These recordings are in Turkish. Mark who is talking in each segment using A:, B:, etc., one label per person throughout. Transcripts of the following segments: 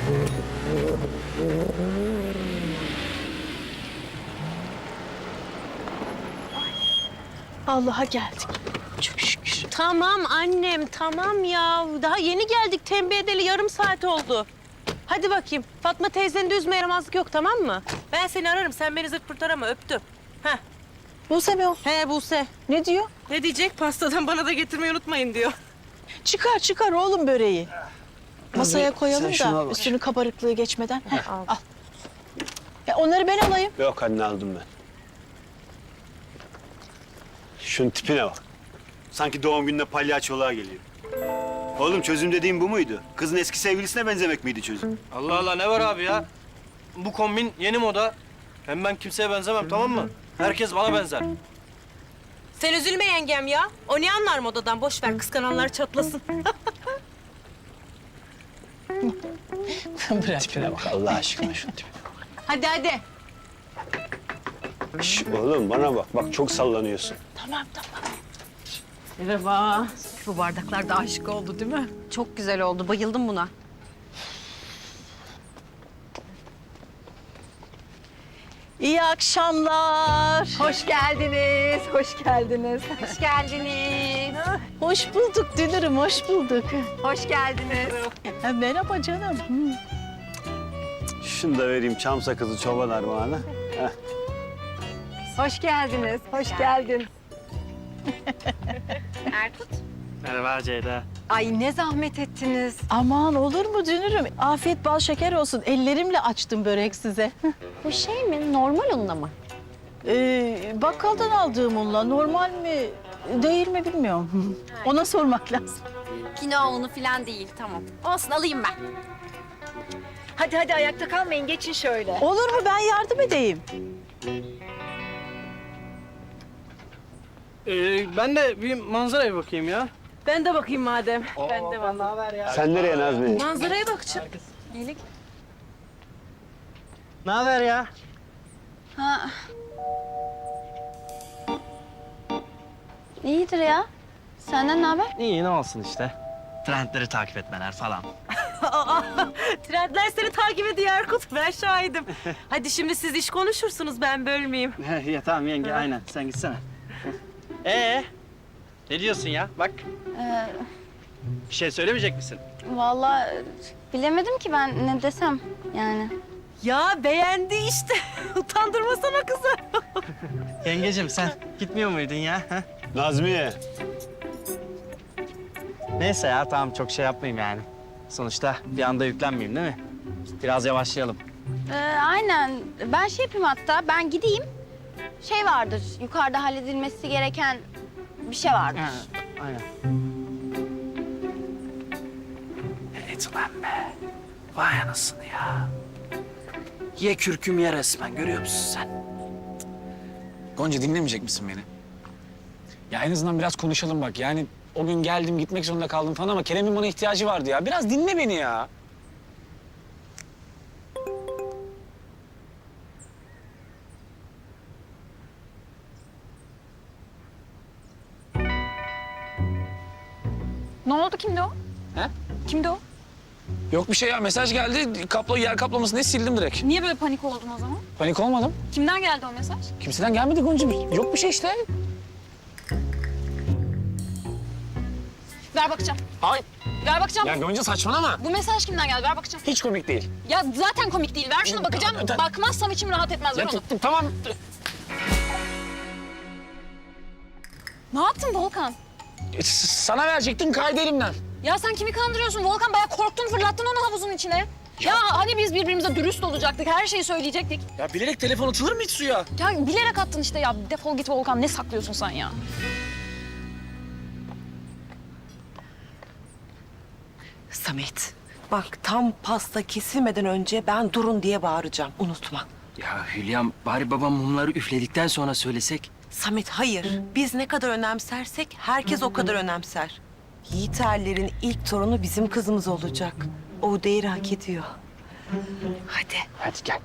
A: Allah'a geldik. Çok şükür.
B: Tamam annem, tamam ya. Daha yeni geldik, tembih edeli yarım saat oldu. Hadi bakayım. Fatma teyzenin de üzme yaramazlık yok, tamam mı? Ben seni ararım, sen beni zırt pırt arama, öptüm. Heh.
A: Buse mi o?
B: He Buse.
A: Ne diyor?
B: Ne diyecek? Pastadan bana da getirmeyi unutmayın diyor.
A: Çıkar çıkar oğlum böreği. Masaya koyalım
C: şunu al
A: da
C: bak.
A: üstünü kabarıklığı geçmeden. Heh, al. Onları ben alayım.
C: Yok anne, aldım ben. Şunun tipine bak. Sanki doğum gününe palyaçoluğa geliyor. Oğlum çözüm dediğim bu muydu? Kızın eski sevgilisine benzemek miydi çözüm?
D: Allah Allah, ne var abi ya? Bu kombin yeni moda. Hem ben kimseye benzemem, tamam mı? Herkes bana benzer.
B: Sen üzülme yengem ya. O ne anlar modadan? Boş ver, kıskananlar çatlasın.
A: Bırak.
C: Tipine bak Allah aşkına, şunun tipine.
B: Hadi hadi.
C: Şş, oğlum bana bak, bak çok sallanıyorsun.
A: Tamam tamam.
B: Merhaba.
E: Bu bardaklar da aşık oldu değil mi? Çok güzel oldu. Bayıldım buna.
A: İyi akşamlar.
E: Hoş geldiniz. Hoş geldiniz. Hoş geldiniz.
A: Hoş bulduk Dünür'üm, hoş bulduk.
E: Hoş geldiniz.
A: Merhaba canım.
C: Şunu da vereyim, çam sakızı çoban armağanı. Heh.
E: Hoş geldiniz. Hoş geldin.
B: Erkut.
D: Merhaba Ceyda.
E: Ay ne zahmet ettiniz.
A: Aman olur mu Dünür'üm? Afiyet bal şeker olsun. Ellerimle açtım börek size.
E: Bu şey mi? Normal unla mı?
A: Bakkaldan aldığım unla normal mi değil mi bilmiyorum. Ona sormak lazım.
E: Kinoa unu falan değil. Tamam. Olsun alayım ben.
F: Hadi ayakta kalmayın, geçin şöyle.
A: Olur mu, ben yardım edeyim.
D: Ben de bir manzaraya bakayım ya.
B: Ben de bakayım madem. Ben de
D: Ne haber ya?
C: Sen nereye Nazmi?
B: manzaraya bakacağım.
D: Ne haber ya?
E: İyidir ya. Senden ne haber?
D: İyi, ne olsun işte. Trendleri takip etmeler falan.
B: Trendler seni takip ediyor Erkut. Ben şahidim. Hadi şimdi siz iş konuşursunuz, ben bölmeyeyim.
D: Ya tamam yenge, aynen. Sen gitsene. Ne diyorsun ya? Bak. Bir şey söylemeyecek misin?
G: Vallahi bilemedim ki ben ne desem yani.
B: Ya beğendi işte. Utandırmasana kızı.
D: Yengecim sen gitmiyor muydun ya? Ha?
C: Nazmiye.
D: Neyse ya, tamam çok şey yapmayayım yani. Sonuçta bir anda yüklenmeyeyim değil mi? Biraz yavaşlayalım.
G: Aynen. Ben şey yapayım hatta, ben gideyim. Şey vardır, yukarıda halledilmesi gereken bir şey vardır.
D: Aynen. Evet ulan be. Vay anasını ya. Ye kürküm ye resmen, görüyor musun sen?
H: Gonca, dinlemeyecek misin beni? Ya en azından biraz konuşalım bak. Yani o gün geldim, gitmek zorunda kaldım falan ama Kerem'in bana ihtiyacı vardı ya. Biraz dinle beni ya.
E: Ne oldu? Kimdi o?
H: He?
E: Kimdi o?
H: Yok bir şey ya. Mesaj geldi. Yer kaplaması ne sildim direkt.
E: Niye böyle panik oldun o zaman?
H: Panik olmadım.
E: Kimden geldi o mesaj?
H: Kimseden gelmedi Gonca. Yok bir şey işte.
E: Ver bakacağım.
H: Ay.
E: Ver bakacağım.
H: Ya Gonca saçmalama.
E: Bu mesaj kimden geldi? Ver bakacağım.
H: Hiç komik değil.
E: Ya zaten komik değil. Ver şunu bakacağım. Bakmazsam içim rahat etmez. Ver
H: Ya
E: onu.
H: tamam.
E: Ne yaptın Volkan?
H: Sana verecektim, kaydı elimden.
E: Ya sen kimi kandırıyorsun Volkan? Bayağı korktun, fırlattın onu havuzun içine. Ya hani biz birbirimize dürüst olacaktık, her şeyi söyleyecektik.
H: Ya bilerek telefon atılır mı hiç suya?
E: Ya bilerek attın işte ya. Defol git Volkan. Ne saklıyorsun sen ya?
I: Samet, bak tam pasta kesilmeden önce ben durun diye bağıracağım. Unutma.
D: Ya Hülya'm, bari babam mumları üfledikten sonra söylesek.
I: Samet hayır. Biz ne kadar önemsersek herkes o kadar önemser. Yiğiterlerin ilk torunu bizim kızımız olacak. O değeri hak ediyor. Hadi.
H: Hadi gel.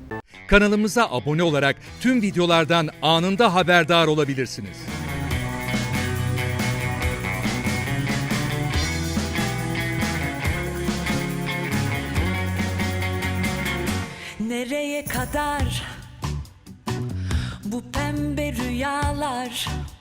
J: Kanalımıza abone olarak tüm videolardan anında haberdar olabilirsiniz. nereye kadar bu pembe rüyalar?